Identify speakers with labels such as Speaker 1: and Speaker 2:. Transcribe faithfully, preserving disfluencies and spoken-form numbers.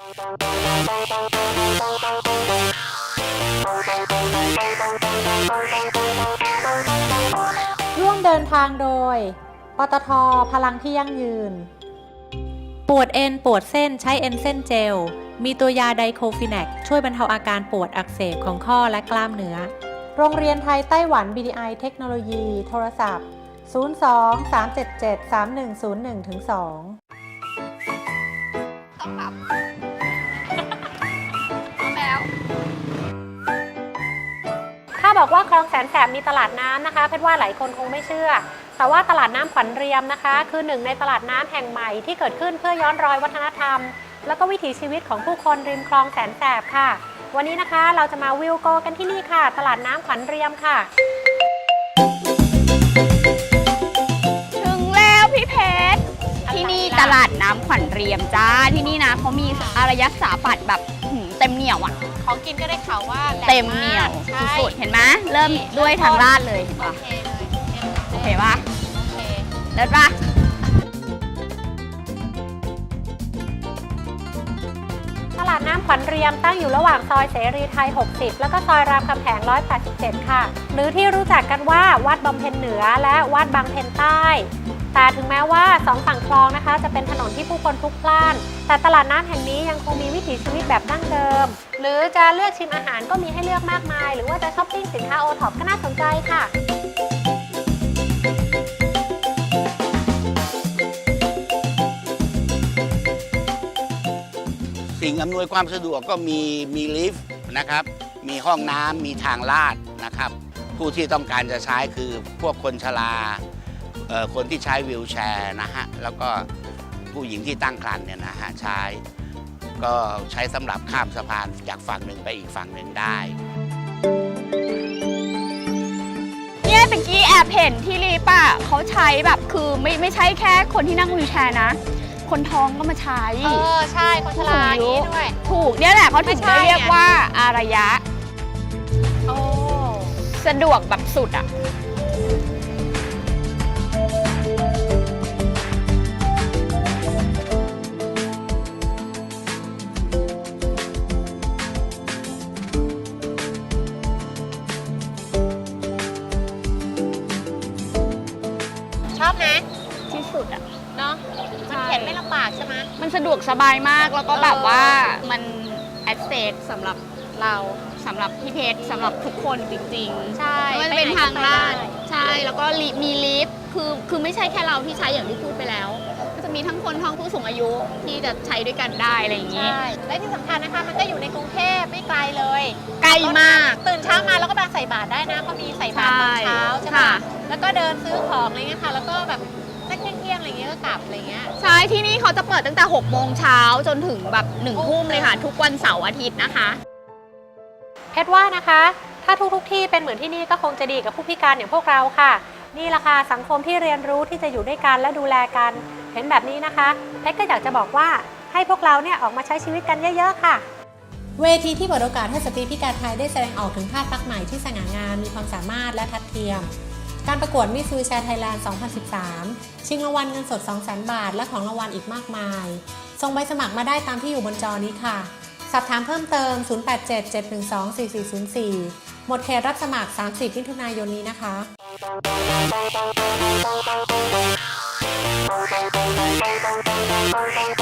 Speaker 1: ร่วมเดินทางโดยปตท.พลังที่ยั่งยืนปวดเอ็นปวดเส้นใช้เอ็นเส้นเจลมีตัวยาไดโคฟิแนกช่วยบรรเทาอาการปวดอักเสบของข้อและกล้ามเนื้อโรงเรียนไทยไต้หวัน บี ดี ไอ เทคโนโลยีโทรศัพท์ศูนย์ สอง สาม เจ็ด เจ็ด สาม หนึ่ง ศูนย์ หนึ่ง สอง
Speaker 2: ต้องปรับแล้ว
Speaker 1: ถ้าบอกว่าคลองแสนแสบมีตลาดน้ำนะคะเพชรว่าหลายคนคงไม่เชื่อแต่ว่าตลาดน้ำขวัญเรียมนะคะคือหนึ่งในตลาดน้ำแห่งใหม่ที่เกิดขึ้นเพื่อย้อนรอยวัฒนธรรมแล้วก็วิถีชีวิตของผู้คนริมคลองแสนแสบค่ะวันนี้นะคะเราจะมาวิวโกกันที่นี่ค่ะตลาดน้ำขวัญเรียมค่ะ
Speaker 2: ถึงแล้วพี่เพชรที่นี่ตลาดน้ำขวัญเรียมจ้าที่นี่นะเขามีอารยสถาปัตย์แบบเต็มเหนียวอ่ะ
Speaker 1: ของกินก็ได้ข่าวว่า
Speaker 2: เต็มเหนียวสุดๆเห็นไหมเริ่มด้วยทางลาดเลยเห็นปะโอเคปะเลิศปะ
Speaker 1: ตลาดน้ำขวัญเรียมตั้งอยู่ระหว่างซอยเสรีไทยหกสิบแล้วก็ซอยรามคำแหงหนึ่งร้อยแปดสิบเจ็ดค่ะหรือที่รู้จักกันว่าวัดบำเพ็ญเหนือและวัดบางเพ็ญใต้แต่ถึงแม้ว่าสองฝั่งคลองนะคะจะเป็นถนนที่ผู้คนพลุกพล่านแต่ตลาดน้ำแห่งนี้ยังคงมีวิถีชีวิตแบบดั้งเดิมหรือจะเลือกชิมอาหารก็มีให้เลือกมากมายหรือว่าจะช้อปปิ้งสินค้าโอท็อปก็น่าสนใจค่ะ
Speaker 3: สิ่งอำนวยความสะดวกก็มีมีลิฟต์นะครับมีห้องน้ำมีทางลาดนะครับผู้ที่ต้องการจะใช้คือพวกคนชราคนที่ใช้วีลแชร์นะฮะแล้วก็ผู้หญิงที่ตั้งครรภ์เนี่ยนะฮะใช้ก็ใช้สำหรับข้ามสะพานจากฝั่งหนึ่งไปอีกฝั่งหนึ่งได้
Speaker 2: เนี่ยตะกี้แอบเห็นที่รีป่ะเขาใช้แบบคือไม่ไม่ใช่แค่คนที่นั่งวีลแชร์นะคนท้องก็มาใช้
Speaker 1: เออใช่คนชราอย่างนี้ด้วย
Speaker 2: ถูกเนี่ยแหละเขาถึงได้เรียกว่าอารยะ
Speaker 1: โอ้
Speaker 2: สะดวกแบบสุดอ่ะ
Speaker 1: ชอบไหม
Speaker 2: ที่สุดอ่ะ
Speaker 1: เนาะมันเข็นไม่ลำบากใช่ไหม
Speaker 2: มันสะดวกสบายมากแล้วก็แบบว่ามันแอคเซสสำหรับ
Speaker 1: เรา
Speaker 2: สำหรับพี่เพชรสำหรับทุกคนจริง
Speaker 1: ๆใช่
Speaker 2: มันเป็นทางลาดใช่แล้วก็มีลิฟต์คือคือไม่ใช่แค่เราที่ใช้อย่างที่พูดไปแล้วก็จะมีทั้งคนท้องผู้สูงอายุที่จะใช้ด้วยกันได้อะไรอย่างนี้
Speaker 1: ใช่และที่สำคัญนะคะมันก็อยู่ในกรุงเทพไม่ไกลเลย
Speaker 2: ไกลมาก
Speaker 1: ตื่นเช้ามาแล้วก็มาใส่บาตรได้นะก็มีใส่บาตรตอนเช้าใช่ไหมแล้วก็เดินซื้อของอะไรเงี้ยค่ะแล้วก็แบบสักเที่ยงๆอะไรเงี้ยก็กลับอะไรเงี้ย
Speaker 2: ใช่ที่นี่เขาจะเปิดตั้งแต่หกโมงเช้าจนถึงแบบหนึ่งทุ่มเลยค่ะทุกวันเสาร์อาทิตย์นะคะ
Speaker 1: เพชรว่านะคะถ้าทุกทุกที่เป็นเหมือนที่นี่ก็คงจะดีกับผู้พิการอย่างพวกเราค่ะนี่แหละค่ะสังคมที่เรียนรู้ที่จะอยู่ด้วยกันและดูแลกันเห็นแบบนี้นะคะเพชรก็อยากจะบอกว่าให้พวกเราเนี่ยออกมาใช้ชีวิตกันเยอะๆค่ะเวทีที่เปิดโอกาสให้สตรีพิการไทยได้แสดงออกถึงภาพลักษณ์ใหม่ที่สง่างามมีความสามารถและทัดเทียมการประกวดมิส วีลแชร์ ไทยแลนด์ สองพันสิบสาม ชิงรางวัลเงินสด สองแสน บาทและของรางวัลอีกมากมายส่งใบสมัครมาได้ตามที่อยู่บนจอนี้ค่ะสอบถามเพิ่มเติม ศูนย์ แปด เจ็ด เจ็ด หนึ่ง สอง สี่ สี่ ศูนย์ สี่ หมดเขตรับสมัคร สามสิบ มิถุนายนนี้นะคะ